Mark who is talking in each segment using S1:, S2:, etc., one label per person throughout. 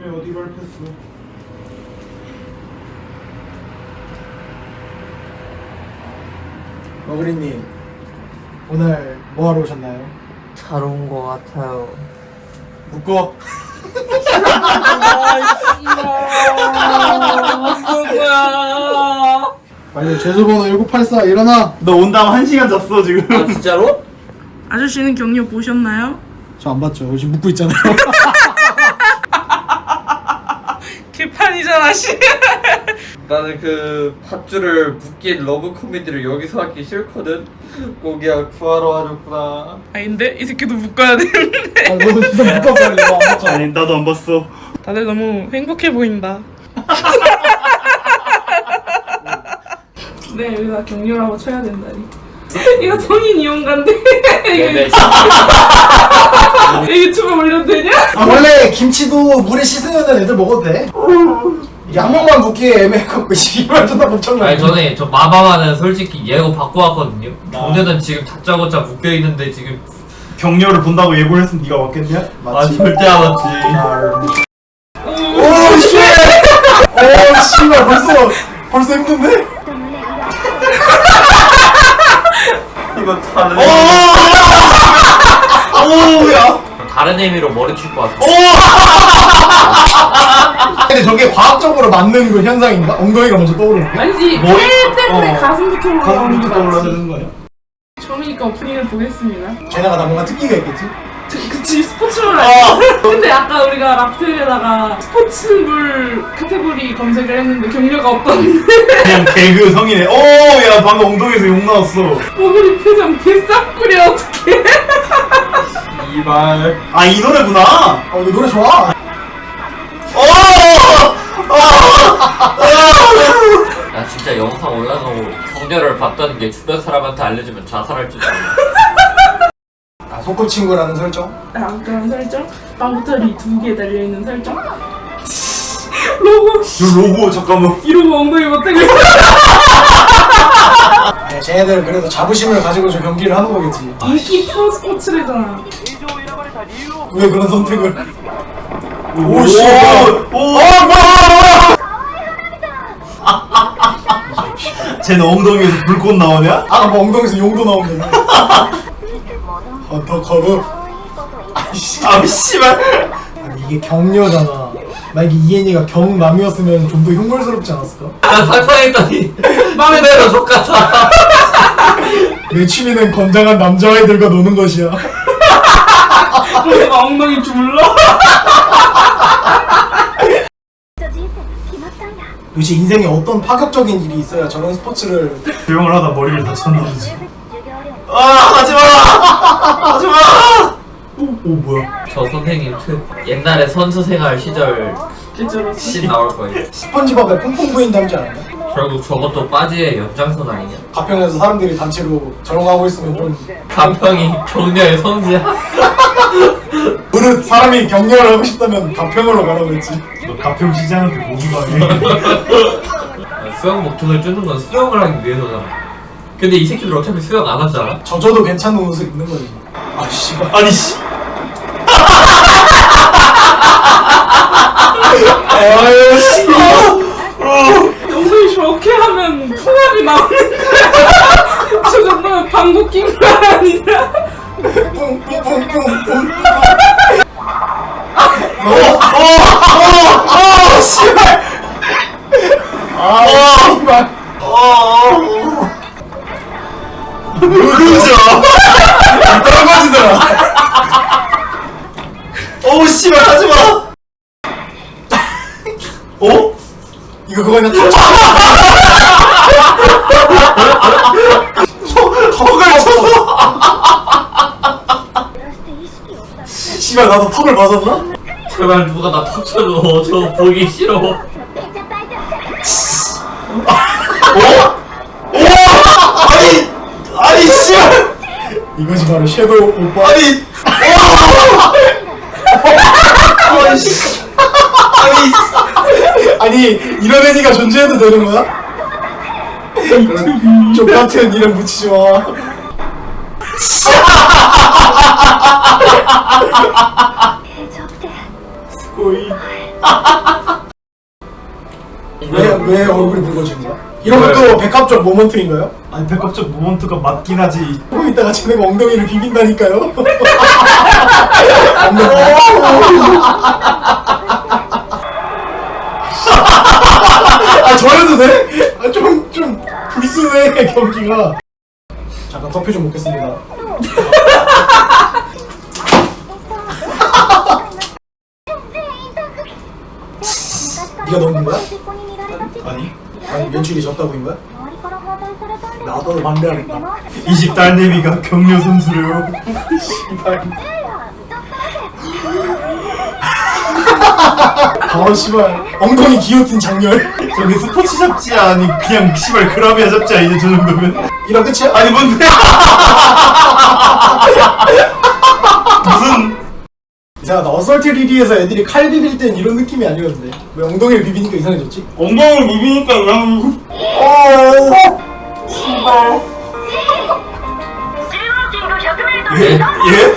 S1: 이름이 어디로 밟혔어? 머그리님 오늘 뭐하러 오셨나요?
S2: 잘 온 거 같아요.
S1: 묶어. 빨리 죄수번호 1984 일어나.
S3: 너 온 다음 1시간 잤어 지금.
S2: 아 진짜로?
S4: 아저씨는 격려 보셨나요?
S1: 저 안 봤죠. 지금 묶고 있잖아요.
S4: 개판이잖아 씨.
S2: 나는 그 밧줄을 묶인 러브 코미디를 여기서 하기 싫거든. 고기야 구하러 와줬구나.
S4: 아닌데? 이 새끼도 묶어야 되는데.
S1: 아, 너도 진짜 묶어 빨리. 너안 봤잖아.
S3: 아니 나도 안 봤어.
S4: 다들 너무 행복해 보인다. 네, 여기다 격려라고 쳐야 된다니. 이거 성인 이용가인데.
S2: 네네.
S4: 이거 유튜브에 올려도 되냐?
S1: 아, 원래 김치도 물에 씻으면 애들 먹어도 돼. 이게 한 번만 묶기에 애매해갖고 이말 존나 멍청나.
S5: 아니 저는 저 마마마는 솔직히 예고 받고 왔거든요. 경려는 지금 다짜고짜 묶여 있는데 지금
S3: 격려를 본다고 예고를 했으면 네가 왔겠냐?
S5: 아 절대 안 왔지.
S1: 오 씨. 오 씨발 벌써 힘든데?
S2: 이거 다른
S3: 오야.
S5: 다른 의미로 머리 칠 것 같아.
S1: 근데 저게 과학적으로 맞는 그 현상인가? 엉덩이가 먼저 떠오르는 게?
S4: 아니지.
S3: 머리-
S4: 폐 때문에
S3: 어.
S4: 가슴부터 올라오는
S3: 가슴부터
S4: 게
S3: 떠올라야
S4: 맞지.
S3: 되는 거 아니야?
S4: 처음이니까 오프닝을 보겠습니다.
S1: 걔네가 나 뭔가 특기가 있겠지?
S4: 그치, 스포츠물 아니야? 근데 아까 우리가 랍텔에다가 스포츠물 카테고리 검색을 했는데 격려가 없던데.
S3: 그냥 개그 성이네. 오야 방금 엉덩이에서 욕 나왔어.
S4: 머구리 표정 개싹구려 어떡해.
S2: 이발.
S3: 아 이 노래구나.
S1: 이거 노래 좋아.
S5: 나 진짜 영상 올라가고 격려를 봤다는 게 주변 사람한테 알려주면 자살할 줄 알아.
S1: 아, 소꿉친구라는 설정?
S4: 아, 그런 설정? 빵부터리 2개 달려있는 설정? 로고
S3: 저 로고 잠깐만.
S4: 이러고 엉덩이 못하고 있어.
S1: 아니, 쟤네들 그래도 자부심을 가지고 저 경기를 하는 거겠지.
S4: 인기 프로 스포츠래잖아.
S1: 왜 그런 선택을?
S3: 오 씨. 오. 쟤는 엉덩이에서 불꽃 나오냐?
S1: 아까 뭐 엉덩이에서 용도 나오는데. 어떡하고? 아이씨.
S3: 아 씨발.
S1: 아니 이게 격려잖아. 만약에 이엔이가 경남이었으면 좀 더 흉물스럽지 않았을까?
S5: 난 상상했더니 마음에 들어 족같아.
S1: 내 취미는 건장한 남자아이들과 노는 것이야.
S4: 그래서 막 엉덩이 주물러?
S1: 도대체 인생에 어떤 파격적인 일이 있어야 저런 스포츠를
S3: 조용을 하다 머리를 다쳤나보지. 아 하지마. 하지마. 오 뭐야?
S5: 저 선생님 옛날에 선수 생활 시절
S4: 개쩔었어.
S5: 씬 나올 거예요.
S1: 스펀지밥에 퐁퐁 부인 닮지 않았냐?
S5: 결국 저것도 빠지의 연장선 아니냐?
S1: 가평에서 사람들이 단체로 저런 하고 있으면 좀
S5: 간평이 격려의 성지야.
S1: 그릇 사람이 격려를 하고 싶다면 가평으로 가라고 했지.
S3: 너 가평 시장한테 고기 가게.
S5: 수영 목적을 주는 건 수영을 하기 위해서잖아. 근데 이 새끼들 어차피 수영 안 하잖아.
S1: 젖어도 괜찮은 옷을 입는 거지. 아 씨발.
S3: 아니 씨.
S1: 아유 씨.
S4: 엉덩이 저렇게 하면 풍압이 나오는 거야. 저 정도면 방구 낀 거 아니야?
S1: 뿡뿡뿡뿡뿡.
S3: 씨발.
S1: 아 씨발.
S3: 그죠?
S1: 떨어지더라.
S3: 어우 씨발 하지마. 어?
S1: 이거 그거냐?
S3: 턱을 쳤어.
S1: 씨발 나도 턱을 맞았나?
S5: 제발 누가 나 터쳐줘. 저 보기 싫어.
S3: 아니 씨발.
S1: 이것이 바로 섀도우 오빠.
S3: 아니. 아니 씨.
S1: 아니 이런 애니가 존재해도 되는 거야? 족같은 이름 붙이지 마.
S3: 스코이.
S1: 왜 얼굴이 붉어진 거야? 이런 것도 백합적 모먼트인가요?
S3: 아니 백합적 모먼트가 맞긴 하지.
S1: 조금 이따가 쟤네가 엉덩이를 비빈다니까요? 아 저래도 돼? 아 좀 불순해 경기가. 잠깐 커피 좀 먹겠습니다. 네가 넣은 거야?
S3: 아니
S1: 아니 연출이 졌다고인 거야? 나도 반대하겠다.
S3: 이 집 딸내미가 격려 선수래요.
S1: 바로 씨발 엉덩이 기어틴 장렬.
S3: 저기 스포츠 잡지야 아니 그냥 씨발 그라비아 잡지야 이제 저 정도면.
S1: 이런 끝이야?
S3: 아니 뭔데? 무슨
S1: 이상하다. 어설트 리리에서 애들이 칼 비빌 땐 이런 느낌이 아니었는데 왜 엉덩이를 비비니까 이상해졌지?
S3: 엉덩이를 비비니까 그냥 예? 예?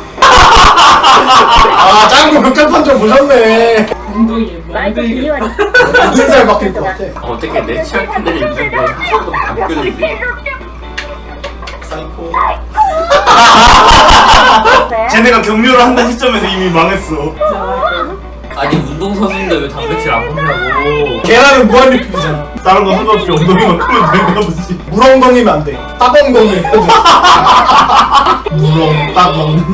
S1: 아 짱구 극장판정 보셨네.
S4: 엉덩이에 엉덩이.
S1: 인살 바뀔 것 같아.
S5: 어떻게 내 취향 팬들이 있는데 한 번도 안 끄는지.
S1: 사이코.
S3: 쟤네가 격려를 한다는 시점에서 이미 망했어.
S5: 아니 운동선수인데 왜 단백질 안 먹냐고.
S1: 계란은 무한리필이잖아.
S3: 다른 거 상관없이 엉덩이만 크면 되는가 보지.
S1: 물엉덩이면 안 돼. 따엉덩이.
S3: 무렁 따봉.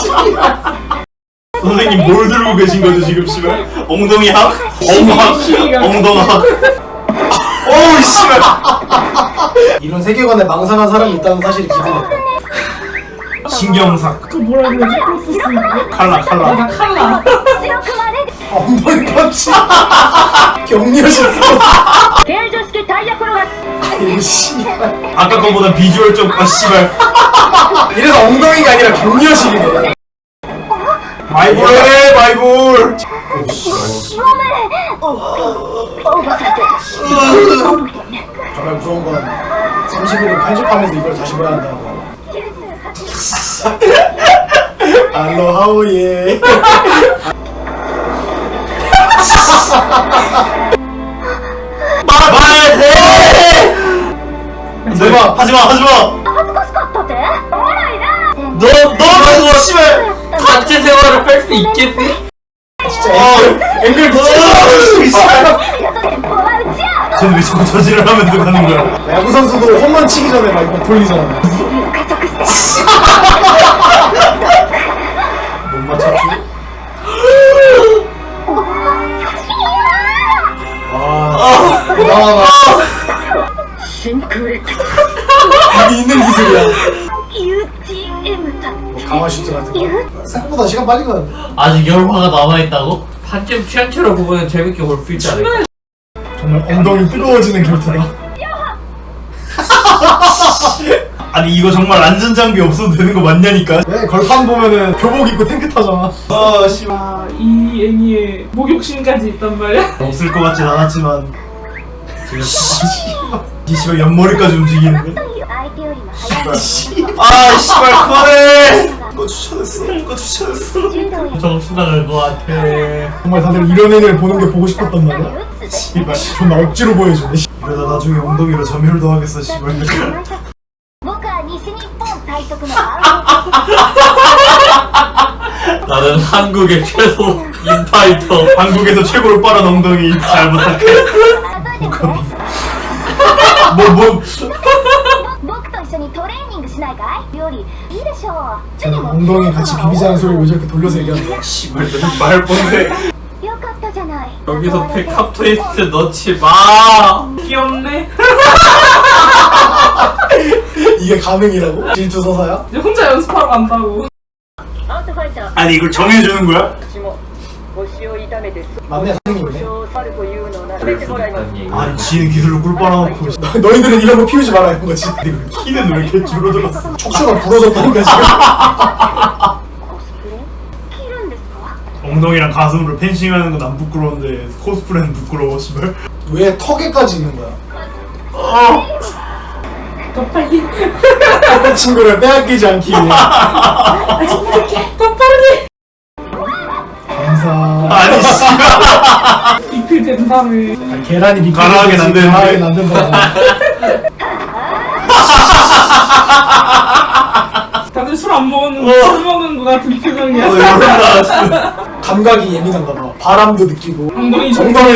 S3: 선생님 뭘 들고 계신 거죠 지금 씨발? 엉덩이 학? 엉학? 엉덩학? 어우 씨발.
S1: 이런 세계관에 망상한 사람이 있다는 사실이 기대된다.
S3: 신경삭.
S4: 그 뭐라 그러지? 프로세스인가?
S3: 칼라 칼라.
S4: 맞아 칼라.
S1: 엉덩이 펀치. 격려식 써. 아이고 씨발.
S3: 아까 거보다 비주얼 좀 씨발.
S1: 이래서 엉덩이가 아니라 격려식이네.
S3: 마이볼 해 마이볼.
S1: 정말 무서운 건 30일을 편집하면서 이걸 다시 봐야 한다는 거. 알로하오예.
S3: 말해.
S1: 대박.
S3: 하지마 하지마. 너 씨발.
S5: 단체 생활을 뺄 수 있겠니?
S1: 진짜 앵글
S3: 씨발. 쟤는 왜 자꾸 저지를 하면서 가는 거야?
S1: 야구 선수도 홈런 치기 전에 막 이거 돌리잖아.
S3: 못 맞췄지?
S1: 나와봐. 이게 있는 기술이야. 뭐 강화 슈트 같은 거. 생각보다 시간 빨리 가는데.
S5: 아직 열화가 남아있다고? 반쯤 취향처럼 보면 재밌게 볼 수 있지 않을까?
S1: 정말 엉덩이 뜨거워지는 결투다.
S3: 아니 이거 정말 안전장비 없어도 되는 거 맞냐니까?
S1: 왜 걸판 보면은 교복 입고 탱크 타잖아.
S3: 아 씨발.
S4: 아, 이 애니에 목욕심까지 있단 말이야.
S3: 없을 것 같진 않았지만 이 씨발 옆머리까지 움직이는데? 아 씨발 그만해! 그거 추천했어 그거 추천했어.
S5: 정수당할 것 같아.
S1: 정말 다들 이런 애들 보는 게 보고 싶었단 말이야.
S3: 씨발
S1: 존나 억지로 보여주네.
S3: 이러다 나중에 엉덩이로 점유도 하겠어 씨발.
S5: 나는 한국의 최소 인파이터.
S3: 한국에서 최고로 빠른 엉덩이 잘 부탁해. 뭐
S1: 쟤는 엉덩이 같이 비비자는 소리를 왜 저렇게 돌려서 얘기하는 거야?
S3: 씨발 말 뻔해.
S5: 여기서 백합 트위스트 넣지 마.
S4: 귀엽네.
S1: 이게 가능이라고? 질투 서사야?
S4: 이제 혼자 연습하러 간다고.
S3: 아니 이걸 정해주는 거야?
S1: 맞네 선생님이네.
S5: 그럴 수 있다는 얘기.
S3: 아니 지는 기술로 꿀 빨아놓고
S1: 너희들은 이런 거 피우지 말아야 하는 거지.
S3: 키는 왜 이렇게 줄어들었어?
S1: 척추가 부러졌다니까 지금.
S3: 엉덩이랑 가슴으로 펜싱하는 건 안 부끄러운데 코스프레는 부끄러워 씨발.
S1: 왜 턱에까지 있는 거야?
S4: 더 빨리.
S1: 그 친구를 빼앗기지 않기 위해.
S4: 아직 부족해. 더 빨리.
S1: 감사.
S3: 아니 씨발
S4: 리필 된 다음에
S1: 아니, 계란이 밑에
S3: 가라하게 안 되는데.
S1: 가라하게 안 된다.
S4: 다들 술 안 먹었는데 술 먹은 거 같은 표정이야.
S3: 이런다.
S1: 감각이 예민한가 봐. 바람도 느끼고.
S4: 엉덩이
S1: 정답을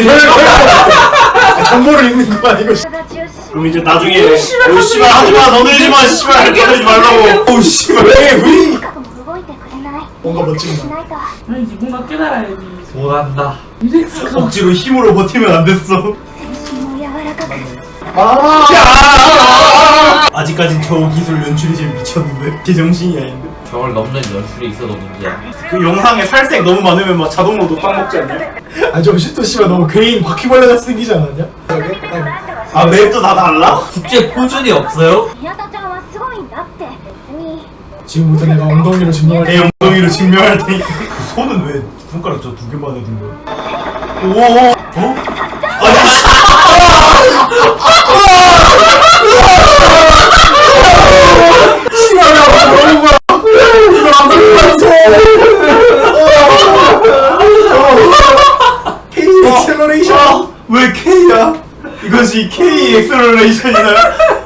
S1: 정보를 읽는 거 아니고.
S3: 그럼 이제 나중에 오 씨발 하지마 너 들지마 씨발 그러지 말라고. 오 씨발
S1: 왜 뭔가 멋진다.
S4: 아니지 뭔가 깨달아야지.
S5: 소난다.
S4: 이렉스가
S3: 억지로 힘으로 버티면 안 됐어. 아직까진 저 기술 연출이 제일 미쳤는데 제정신이 아닌데.
S5: 저걸 넘는 연출이 있어도 문제야.
S3: 그 영상에 살색 너무 많으면 막 자동으로 빵 먹지 않냐?
S1: 아, 저 슈토 씨발 너무 괴인 바퀴벌레 같이 생기지 않았냐? 저게? 약간
S3: 아 맵도 다 달라?
S5: 국제 표준이 없어요?
S1: 지금부터 내가 엉덩이로 증명할
S3: 내 엉덩이로 증명할 테니까. 그 손은 왜 손가락 저 2개만 해둔 거야? 오 어? 아니 씨.
S1: 씨발야 너무 거야. 이거 안 들어갔어. K 엑셀러레이션.
S3: 왜 K야? 이것이 K 엑셀러레이션이나요?